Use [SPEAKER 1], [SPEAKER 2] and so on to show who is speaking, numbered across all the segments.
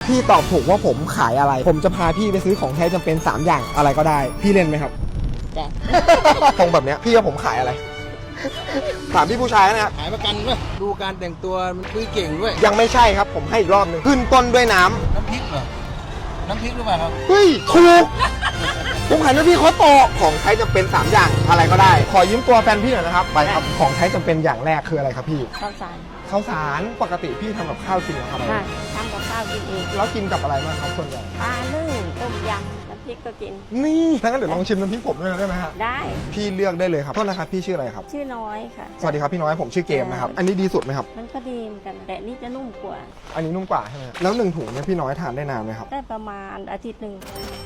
[SPEAKER 1] พี่ตอบถูกว่าผมขายอะไรผมจะพาพี่ไปซื้อของใช้จำเป็น3อย่างอะไรก็ได้พี่เล่นไหมครับ
[SPEAKER 2] จ้ะ
[SPEAKER 1] ตรงแบบเนี้ยพี่ว่าผมขายอะไรถามพี่ผู้ชายนะครับ
[SPEAKER 3] ขายประกันด้วยดูการแต่งตัวมันคุยเก่งด้วย
[SPEAKER 1] ยังไม่ใช่ครับผมให้อีกรอบหนึงขึ้นต้นด้วยน้ำ
[SPEAKER 3] น้ำพริกเหรอน้ำพริกหรือเปล่าครับ
[SPEAKER 1] เฮ้ยถูกผมขายน้ำพี่เขาโตของใช้จำเป็น3อย่างอะไรก็ได้ขอยืมตัวแฟนพี่หน่อยนะครับไปครับของใช้จำเป็นอย่างแรกคืออะไรครับพี่
[SPEAKER 2] ข้าวสาร
[SPEAKER 1] ข้าวสารปกติพี่ทำกับข้าวจริงเหรอครับ
[SPEAKER 2] ค่ะทำกับข้าวกินเอง
[SPEAKER 1] แล้วกินกับอะไรบ้างครับส่วนใหญ่
[SPEAKER 2] ปลานึ่งต้มยำน้ำพริกก็กิน
[SPEAKER 1] นี่ถ้างั้นเดี๋ยวลองชิมน้ำพริกผมด้วยได้ไหมฮะ
[SPEAKER 2] ได้
[SPEAKER 1] พี่เลือกได้เลยครับโทษนะครับพี่ชื่ออะไรครับ
[SPEAKER 2] ชื่อน้อยค่ะ
[SPEAKER 1] สวัสดีครับพี่น้อยผมชื่อเกมนะครับอันนี้ดีสุดไหมครับ
[SPEAKER 2] มันก็ดีเหมือนกัน แต่นี่จะนุ่มกว่า
[SPEAKER 1] อันนี้นุ่มกว่าใช่ไหมแล้ว1 ถุงเนี่ยพี่น้อยทานได้นานไหมครับ
[SPEAKER 2] ได้ประมาณอาทิตย์หนึ่ง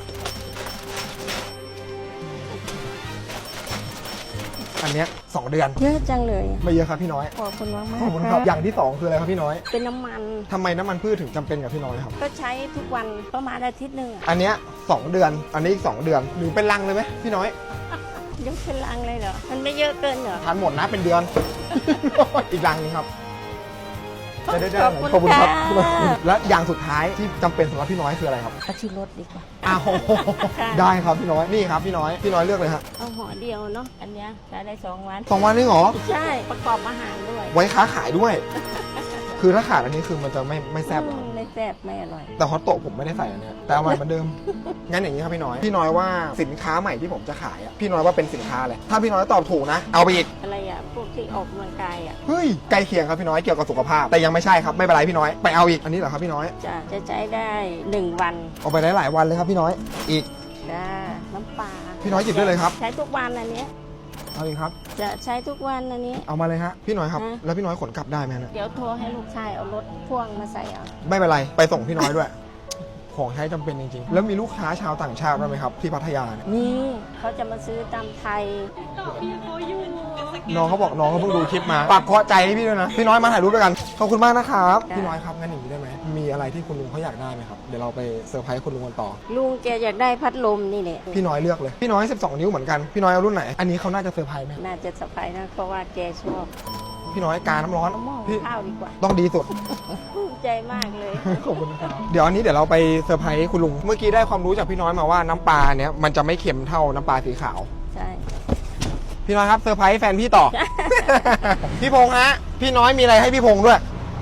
[SPEAKER 1] อันเนี้ย2 เดือน
[SPEAKER 2] เยอะจังเลย
[SPEAKER 1] ไม่เยอะครับพี่น้อย
[SPEAKER 2] ขอบคุณมาก
[SPEAKER 1] ขอบคุณครับอย่างที่2คืออะไรครับพี่น้อย
[SPEAKER 2] เป็นน้ำมัน
[SPEAKER 1] ทำไมน้ำมันพืชถึงจำเป็นกับพี่น้อยครับ
[SPEAKER 2] ก็ใช้ทุกวันประมาณอาทิตย์หนึ่งอะ
[SPEAKER 1] อันเนี้ย2 เดือนอันนี้อีก2 เดือนหรือเป็นลังเลยไหมพี่น้อย
[SPEAKER 2] ยกเป็นลังเลยเหรอ มันไม่เยอะเกินเหรอ
[SPEAKER 1] ทานหมดนะเป็นเดือน อีกลังนึงครับได้
[SPEAKER 2] ขอบคุณค่ะ
[SPEAKER 1] และอย่างสุดท้ายที่จำเป็นสำหรับพี่น้อยคืออะไรครับ
[SPEAKER 2] เอาที่รถดีกว่า
[SPEAKER 1] อ้าว
[SPEAKER 2] ค่ะ
[SPEAKER 1] ได้ครับพี่น้อยนี่ครับพี่น้อยเลือกเลยฮะ
[SPEAKER 2] เอาห่อเดียวเนาะ อันเนี้ยใช้ได้2 วัน
[SPEAKER 1] 2 วันนี่เหรอ
[SPEAKER 2] ใช่ ประกอบอาหารด้วย
[SPEAKER 1] ไว้ค้าขายด้วย คือถ้าขาดอันนี้คือมันจะไม่แซ่บหรอ
[SPEAKER 2] ไม่แซ่บไม่อร่อย
[SPEAKER 1] แต่ฮอตโตะผมไม่ได้ใส่อันเนี้ยแต่อร่อยเหมือนเดิม งั้นอย่างนี้ครับพี่น้อยว่าสินค้าใหม่ที่ผมจะขายอะพี่น้อยว่าเป็นสินค้าอะไรถ้าพี่น้อยตอบถูกนะเอาไปอีก
[SPEAKER 2] อะไรอ่ะ พวกที่ออกกำลังกายอ่ะ
[SPEAKER 1] เฮ้ยใกล้เคียงครับพี่น้อยเกี่ยวกับสุขภาพแต่ยังไม่ใช่ครับไม่เป็นไรพี่น้อยไปเอาอีกอันนี้เหรอครับพี่น้อย
[SPEAKER 2] จะใช้ได้1 วัน
[SPEAKER 1] เอาไปได้หลายวันเลยครับพี่น้อยอีก
[SPEAKER 2] จ้าน้ำปลา
[SPEAKER 1] พี่น้อยหยิบได้เลยครับ
[SPEAKER 2] ใช้ทุกวันอันเนี้ย
[SPEAKER 1] เอาอีกครับ
[SPEAKER 2] จะใช้ทุกวันอันนี้
[SPEAKER 1] เอามาเลยฮะพี่น้อยครับ
[SPEAKER 2] ฮะ
[SPEAKER 1] แล้วพี่น้อยขนกลับได้ไหมฮะ
[SPEAKER 2] เดี๋ยวโทรให้ลูกชายเอารถพ่วงมาใส่เอา
[SPEAKER 1] ไม่เป็นไรไปส่งพี่น้อยด้วย ของใช้จำเป็นจริงๆ แล้วมีลูกค้าชาวต่างชาติด้วยไหมครับที่พัทยาเนี่ย
[SPEAKER 2] นี่เขาจะมาซื้อตำไทย
[SPEAKER 1] น้องเขาบอกน้องเขาเพิ่งดูคลิปมาฝากเคาะใจให้พี่ด้วยนะพี่น้อยมาถ่ายรูปด้วยกันขอบคุณมากนะครับพี่น้อยครับงั้นอย่างนี้ได้ไหมมีอะไรที่คุณลุงเขาอยากได้ไหมครับเดี๋ยวเราไปเซอร์ไพรส์คุณลุงกันต่อ
[SPEAKER 2] ลุงแกอยากได้พัดลมนี่แหละ
[SPEAKER 1] พี่น้อยเลือกเลยพี่น้อย12 นิ้วเหมือนกันพี่น้อยเอารุ่นไหนอันนี้เขาน่าจะเซอร์ไพรส์ไหม
[SPEAKER 2] น่าจะสบายนะเพราะว่าแกชอบ
[SPEAKER 1] พี่น้อยกาน้ำร้อน
[SPEAKER 2] เอาหม้อ
[SPEAKER 1] พี่
[SPEAKER 2] ข้าวดีกว่า
[SPEAKER 1] ต้องดีสุด
[SPEAKER 2] ภูมิใจมากเลย
[SPEAKER 1] ขอบคุณครับเดี๋ยวอันนี้เดี๋ยวเราไปเซอร์ไพรส์คุณลุงเมื่อกี้ได้ความรู้จากพี่น้อยมาว่าน้ำปลาเนี้ยมันจะไม่เค็มเท่าน้ำปลาสีขาว
[SPEAKER 2] ใช่
[SPEAKER 1] พี่น้อยครับเซอร์ไพรส์แฟนพี่ต่อ พี่พงษ์ฮะพี่น้อยมีอะไรให้พี่พงษ์ด้วย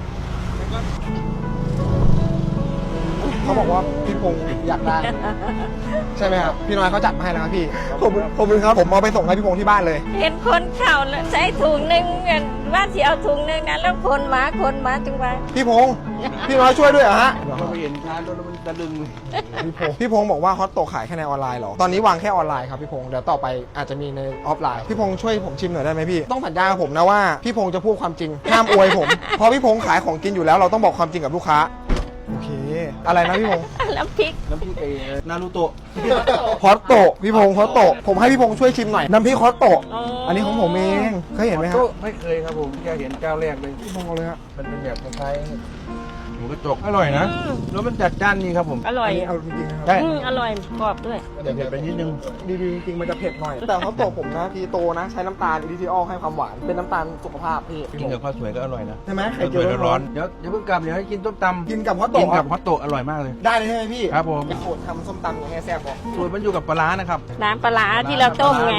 [SPEAKER 1] เขาบอกว่าพี่พงษ์อยากได้ ใช่ไหมครับพี่น้อยเขาจัดมาให้แล้วครับพี่ขอบคุณครับผมเอาไปส่งให้พี่พงษ์ที่บ้านเลย
[SPEAKER 2] เห็นคนเข่าแล้วใช้ถุงหนึ่งว่าสิเอาถุงหนึ่งนะแล้วคนหมาจังหวะ
[SPEAKER 1] พี่พงษ์พี่น้อยช่วยด้วยเหรอฮะ
[SPEAKER 3] เราไปเห็นร้านรถแล้วมันตะลึง
[SPEAKER 1] พี่พงษ์บอกว่าฮอตโตขายแค่ในออนไลน์เหรอตอนนี้วางแค่ออนไลน์ครับพี่พงษ์เดี๋ยวต่อไปอาจจะมีในออฟไลน์พี่พงษ์ช่วยผมชิมหน่อยได้ไหมพี่ต้องสัญญากับผมนะว่าพี่พงษ์จะพูดความจริงห้ามอวยผมเพราะพี่พงษ์ขายของกินอยู่แล้วเราต้องบอกความจริงกับลูกค้าโอเคอะไรนะพี่พงษ์
[SPEAKER 2] น้ำพริก
[SPEAKER 3] น้ำพริกนารูโตะ
[SPEAKER 1] ฮอตโตพี่พงษ์ฮอตโตผมให้พี่พงษ์ช่วยชิมหน่อยน้ำพริกฮอตโตอันนี้ของผมเองเคยเห็นไหมครับ
[SPEAKER 3] ไม่เคยครับผมแค่เห็นเจ้าแรกเลย
[SPEAKER 1] พี่พงษ์เอาเลยฮะ
[SPEAKER 3] มันเป็นแบบคล้ายๆหมูกระจกอร่อยนะแล้วมันจัดจ้านนี่ครับผม
[SPEAKER 2] อร่อย
[SPEAKER 1] อันนี้เอาจริงๆนะครับ
[SPEAKER 3] ใช่
[SPEAKER 2] อร่อยกรอบด้วย
[SPEAKER 3] เดี๋ยวเผ็ดไปนิดนึง
[SPEAKER 1] ดีๆจริงๆมันจะเผ็ดหน่อยแต่ฮอตโตผมนะพีโตนะใช้น้ำตาลอิริทิออลให้ความหวานเป็นน้ำตาลสุขภาพพี่
[SPEAKER 3] กินกับข้าวสวยก็อร่อยนะ
[SPEAKER 1] ใช่ไหม
[SPEAKER 3] ข้าวสวยร้อนๆเดี๋ยวเพิ่งกลับเดี๋ยวให้กินต้มตำ
[SPEAKER 1] กินกับฮอตโต
[SPEAKER 3] กินกับฮอตโตะอร่อยมากเลย
[SPEAKER 1] ได้เลยใช่ไหมพี่
[SPEAKER 3] ครับผม
[SPEAKER 1] สูตรทำส้มตำยังไงแซ่บบอก
[SPEAKER 3] สูตรมันอยู่กับปลาร้านะครับ
[SPEAKER 2] น้ำปลาร้าที่เราต้มไง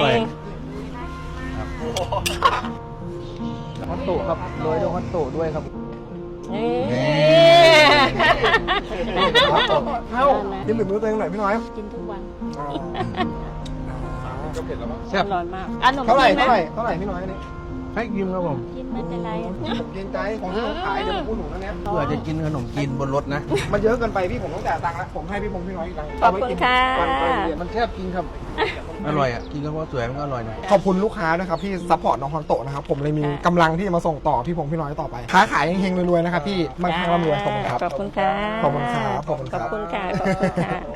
[SPEAKER 1] ฮอตโตครับโรยด้วยฮอตโตด้วยครับ
[SPEAKER 2] เอ้ย
[SPEAKER 1] เอ้ากินหรือมือตัวเองหน่อยพี่น้อย
[SPEAKER 2] กินทุกวัน
[SPEAKER 1] ก็เผ็ดแล้วมั้ง
[SPEAKER 3] แซ่
[SPEAKER 2] อบ ร่อยมากอ่ะหนม
[SPEAKER 1] เท่าไหร่
[SPEAKER 2] จีนไหม
[SPEAKER 1] เท่าไหร่พี่น้อยอันนี้
[SPEAKER 3] ให้กินครับผม
[SPEAKER 2] กินไม่เป็นไร
[SPEAKER 1] ผมเกรงใจของที่ผมขายเดี๋ยวผมพูดถูกแล้วเนี้ย
[SPEAKER 3] เพื่อจะกินขนมจีนบนรถนะ
[SPEAKER 1] มันเยอะเกินไปพี่ผมต้องจ่ายตังค์แล้วผมให้พี่พงษ์พี่น้อยอีกตังค์
[SPEAKER 2] ขอบคุณค่ะ
[SPEAKER 1] วันไปเรียน
[SPEAKER 3] มันแซ่บจริงครับ อร่อยอ่ะ กินกับข้าวสวยมันก็อร่อยนะ
[SPEAKER 1] ขอบคุณลูกค้านะครับที่ซัพพอร์ตน้องฮอนโตะนะครับผมเลยมีกำลังที่จะมาส่งต่อพี่พงษ์พี่น้อยต่อไปค้าขายเฮงๆรวยๆนะครับพี่มั่งคั่งร่ำรวยขอบคุณครับ
[SPEAKER 2] ขอบคุณค่ะ
[SPEAKER 1] ขอบคุณครับขอบคุณ
[SPEAKER 2] ข
[SPEAKER 1] ค
[SPEAKER 2] อ
[SPEAKER 1] รั
[SPEAKER 2] บบ คุณค่ะขอบคุณค่ะ